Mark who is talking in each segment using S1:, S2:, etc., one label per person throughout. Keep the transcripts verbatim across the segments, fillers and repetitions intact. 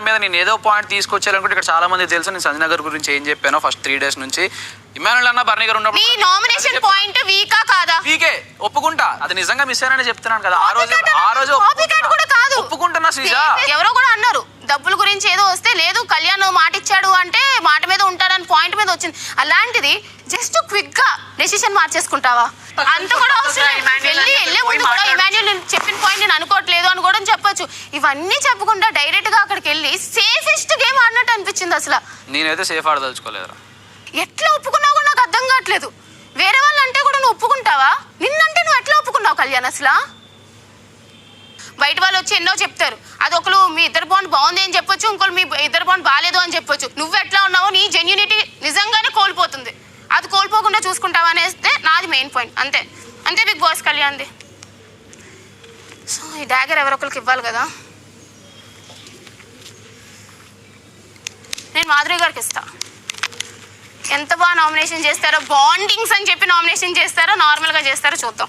S1: మీద నేను ఏదో పాయింట్ తీసుకొచ్చేయాలనుకుంటే ఇక్కడ చాలా మంది తెలుసు నేను సంజన గారి గురించి ఏం చెప్పానో ఫస్ట్ త్రీ డేస్ నుంచి. ఇమానుల్ అన్న బర్నీ గారు ఉన్నప్పుడు
S2: నీ నామినేషన్ పాయింట్ వీకా కాదా?
S1: వీకే ఒప్పుకుంటా, అది నిజంగా మిస్ అయ్యానని చెప్తున్నాను కదా. ఆ రోజు ఆ రోజు ఒప్పుకుంటున్నా శ్రీజ.
S2: ఎవరో కూడా అన్నారు డబ్బుల గురించి ఏదో వస్తే లేదు కళ్యాణ్ మాట ఇచ్చాడు అంటే మాట మీద ఉంటాడని పాయింట్ మీద వచ్చింది. అలాంటిది జస్ట్ క్విక్ గా డెసిషన్ మార్చేసుకుంటావా? అంత కూడా అవసరం వెళ్ళి వెళ్ళే ముందు కూడా ఇమాన్యుల్ చెప్పిన పాయింట్ నేను అనుకోవట్లేదు అని కూడా చెప్పొచ్చు. ఇవన్నీ చెప్పకుండా డైరెక్ట్ గా అక్కడికి వెళ్ళి సేఫెస్ట్ గేమ్ ఆడినట్టు అనిపించింది. అసలు
S1: నేనైతే సేఫ్ ఆడదలుచుకోలేదు.
S2: ఎట్లా ఒప్పుకున్నావు కూడా నాకు అర్థం కావట్లేదు. వేరే వాళ్ళు అంటే కూడా నువ్వు ఒప్పుకుంటావా? నిన్నంటే నువ్వు ఎట్లా ఒప్పుకున్నావు కళ్యాణ్? అసలు బయట వాళ్ళు వచ్చి ఎన్నో చెప్తారు, అది ఒకరు మీ ఇద్దరు బాండ్ బాగుంది అని చెప్పొచ్చు, ఇంకోరు మీ ఇద్దరు బాండ్ బాగాలేదు అని చెప్పొచ్చు. నువ్వు ఎట్లా ఉన్నావో నీ జెన్యూనిటీ నిజంగానే కోల్పోతుంది. అది కోల్పోకుండా చూసుకుంటావా అనేస్తే నాది మెయిన్ పాయింట్. అంతే అంతే బిగ్ బాస్ కళ్యాణ్ది. సో ఈ డాగర్ ఎవరొకరికి ఇవ్వాలి కదా. నేను మాధురి గారికి ఇస్తా. ఎంత బాగా నామినేషన్ చేస్తారో, బాండింగ్స్ అని చెప్పి నామినేషన్ చేస్తారో నార్మల్గా చేస్తారో చూద్దాం.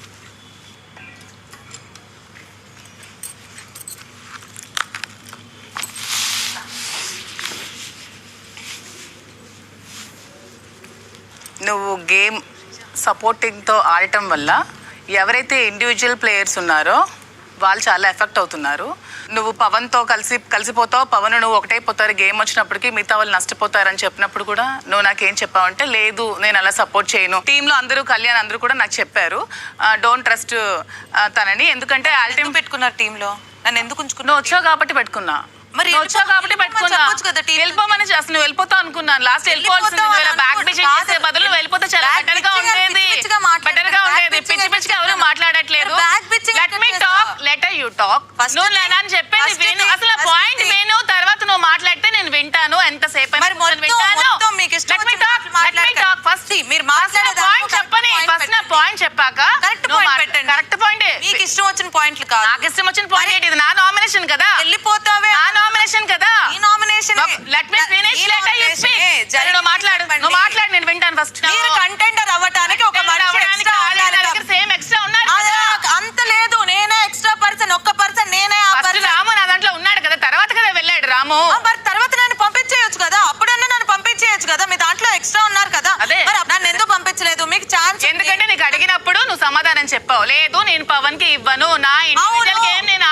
S3: నువ్వు గేమ్ సపోర్టింగ్తో ఆడటం వల్ల ఎవరైతే ఇండివిజువల్ ప్లేయర్స్ ఉన్నారో వాళ్ళు చాలా ఎఫెక్ట్ అవుతున్నారు. నువ్వు పవన్తో కలిసి కలిసిపోతావు, పవన్ నువ్వు ఒకటైపోతారు, గేమ్ వచ్చినప్పటికీ మిగతా వాళ్ళు నష్టపోతారని చెప్పినప్పుడు కూడా నువ్వు నాకేం చెప్పావంటే లేదు నేను అలా సపోర్ట్ చేయను. టీంలో అందరూ కళ్యాణ్ అందరూ కూడా నాకు చెప్పారు డోంట్ ట్రస్ట్ తనని, ఎందుకంటే ఆల్టీమ్
S4: పెట్టుకున్నారు టీంలో నన్ను ఎందుకు ఉంచుకున్నా?
S3: నువ్వు వచ్చావు కాబట్టి పెట్టుకున్నా,
S4: మరి
S3: వచ్చావు కాబట్టి పెట్టుకున్నా. వెళ్ళిపోమని చేస్తాను, నువ్వు వెళ్ళిపోతావు అనుకున్నాను. లాస్ట్ వెళ్ళిపోవాల్సింది బ్యాక్ చేసే బదులు వెళ్ళిపోతే చాలా బెటర్ గా ఉండేది, బెటర్ గా ఉండేది. పిచ్చి పిచ్చిగా ఎవరు మాట్లాడట్లేదు. Let me talk, let you talk. నువ్వు నేను చెప్పేది విను, అసలు పాయింట్ విను, తర్వాత నువ్వు మాట్లాడితే నేను వింటాను. ఎంతసేపు పాయింట్ చెప్పాక కరెక్ట్ పాయింట్.
S4: మీకు ఇష్టం వచ్చిన పాయింట్లు కాదు,
S3: నాకు ఇష్టం వచ్చిన పాయింట్. ఇది నా నామినేషన్ కదా,
S4: వెళ్ళిపోతావే
S3: నా నామినేషన్ కదా.
S4: ఈ nomination
S3: let me finish, let you speak. నువ్వు మాట్లాడు, నువ్వు మాట్లాడు, నేను వింటాను. ఫస్ట్
S4: మీరు కంటెండర్ అవ్వడానికి ఒక
S3: సేమ్ ఎక్స్ట్రా ఉన్నారు,
S4: అంత లేదు. నేనే ఎక్స్ట్రా పర్సన్, ఒక్క పర్సన్ నేనే.
S3: రాము నా దాంట్లో ఉన్నాడు కదా, తర్వాత కదా వెళ్ళాడు రాము.
S4: మరి తర్వాత నన్ను పంపించేయచ్చు కదా, అప్పుడన్నా నన్ను పంపించేయచ్చు కదా. మీ దాంట్లో ఎక్స్ట్రా ఉన్నారు కదా, నన్ను ఎందుకు పంపించలేదు? మీకు ఛాన్స్
S3: ఎందుకంటే నీకు అడిగినప్పుడు నువ్వు సమాధానం చెప్పావు, లేదు నేను పవన్ కి ఇవ్వను, నా ఇండివిజువల్ గేమ్ నేను